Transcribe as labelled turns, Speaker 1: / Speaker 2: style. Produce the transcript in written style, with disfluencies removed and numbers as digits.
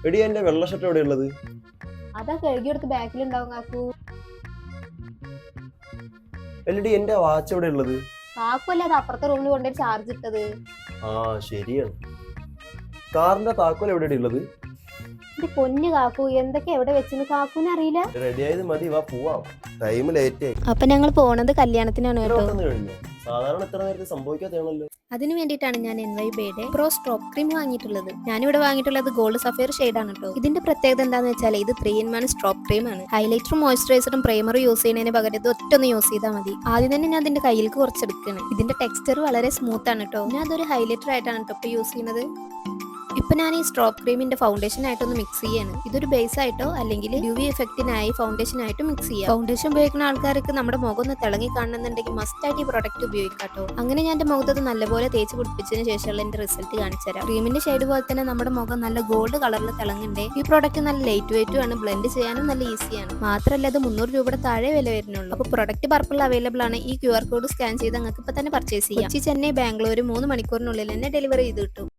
Speaker 1: എടി എന്റെ വെള്ള ഷർട്ട് എവിടെ ഉള്ളത്?
Speaker 2: അതാ കഴുകിയെടുത്ത് ബാക്കിലുണ്ടാവും കാക്കു.
Speaker 1: എല്ലടി എന്റെ വാച്ച് എവിടെ ഉള്ളത്?
Speaker 2: കാക്കു അല്ലേ അത് അപ്പുറത്തെ റൂമിൽ കൊണ്ടുപോയി ചാർജ് ഇട്ടത്.
Speaker 1: ആ ശരിയാണ്. കാറിന്റെ താക്കോൽ എവിടെയാണ് ഉള്ളത്?
Speaker 2: ഇത് പൊന്നു കാക്കു, എന്തൊക്കെ എവിടെ വെച്ചെന്ന് കാക്കുവിന് അറിയില്ല.
Speaker 1: റെഡി ആയത് മതി, വാ പോവാം. ടൈം ലേറ്റ് ആയി.
Speaker 2: അപ്പൊ ഞങ്ങൾ പോണത് കല്യാണത്തിനാണ് കേട്ടോ.
Speaker 1: കഴിഞ്ഞു. സാധാരണ ഇത്ര നേരത്തെ സംഭവിക്കാത്തതാണല്ലോ.
Speaker 2: അതിനു വേണ്ടിയിട്ടാണ് ഞാൻ NYBയുടെ പ്രോ സ്ട്രോപ്പ് ക്രീം വാങ്ങിയിട്ടുള്ളത്. ഞാനിവിടെ വാങ്ങിയിട്ടുള്ളത് ഗോൾഡ് സഫയർ ഷെയ്ഡാണ് കേട്ടോ. ഇതിന്റെ പ്രത്യേകത എന്താന്ന് വെച്ചാൽ ഇത് 3-in-1 സ്ട്രോപ്പ് ക്രീം ആണ്. ഹൈലൈറ്ററും മോയ്സ്ചറൈസറും പ്രൈമറും യൂസ് ചെയ്യുന്നതിന് പകരം ഇത് ഒറ്റൊന്ന് യൂസ് ചെയ്താൽ മതി. ആദ്യം തന്നെ ഞാൻ അതിന്റെ കയ്യിലേക്ക് കുറച്ചെടുക്കണം. ഇതിന്റെ ടെക്സ്ചർ വളരെ സ്മൂത്ത് ആണ് കേട്ടോ. ഞാൻ അതൊരു ഹൈലൈറ്റർ ആയിട്ടാണ് കേട്ടോ ഇപ്പൊ യൂസ് ചെയ്യുന്നത്. ഇപ്പൊ ഞാൻ ഈ സ്ട്രോപ്പ് ക്രീമിന്റെ ഫൗണ്ടേഷൻ ആയിട്ടൊന്ന് മിക്സ് ചെയ്യാണ്. ഇതൊരു ബേസ് ആയിട്ടോ അല്ലെങ്കിൽ UV എഫക്റ്റിനായി ഫൗണ്ടേഷൻ ആയിട്ട് മിക്സ് ചെയ്യാം. ഫൗണ്ടേഷൻ ഉപയോഗിക്കുന്ന ആൾക്കാർക്ക് നമ്മുടെ മുഖം ഒന്ന് തിളങ്ങി കാണുന്നുണ്ടെങ്കിൽ മസ്റ്റ് ആയിട്ട് ഈ പ്രൊഡക്റ്റ് ഉപയോഗിക്കാട്ടോ. അങ്ങനെ ഞാൻ എന്റെ മുഖത്ത് നല്ലപോലെ തേച്ച് പിടിപ്പിച്ചതിന് ശേഷമുള്ള എന്റെ റിസൾട്ട് കാണിച്ചു തരാം. ക്രീമിന്റെ ഷെയ്ഡ് പോലെ തന്നെ നമ്മുടെ മുഖം നല്ല ഗോൾഡ് കളറിൽ തിളങ്ങണ്ടേ. ഈ പ്രോഡക്റ്റ് നല്ല ലൈറ്റ് വെയിറ്റും ആണ്, ബ്ലെൻഡ് ചെയ്യാനും നല്ല ഈസിയാണ്. മാത്രമല്ല ഇത് 300 രൂപയുടെ താഴെ വില വരുന്നുള്ളൂ. അപ്പോൾ പ്രൊഡക്റ്റ് പർപ്പിൾ അവൈലബിൾ ആണ്. ഈ QR കോഡ് സ്കാൻ ചെയ്ത് നിങ്ങൾക്ക് ഇപ്പൊ തന്നെ പർച്ചേസ് ചെയ്യാം. കൊച്ചി, ചെന്നൈ, ബാംഗ്ലൂർ 3 മണിക്കൂറിനുള്ളിൽ തന്നെ ഡെലിവറി ചെയ്ത് കിട്ടും.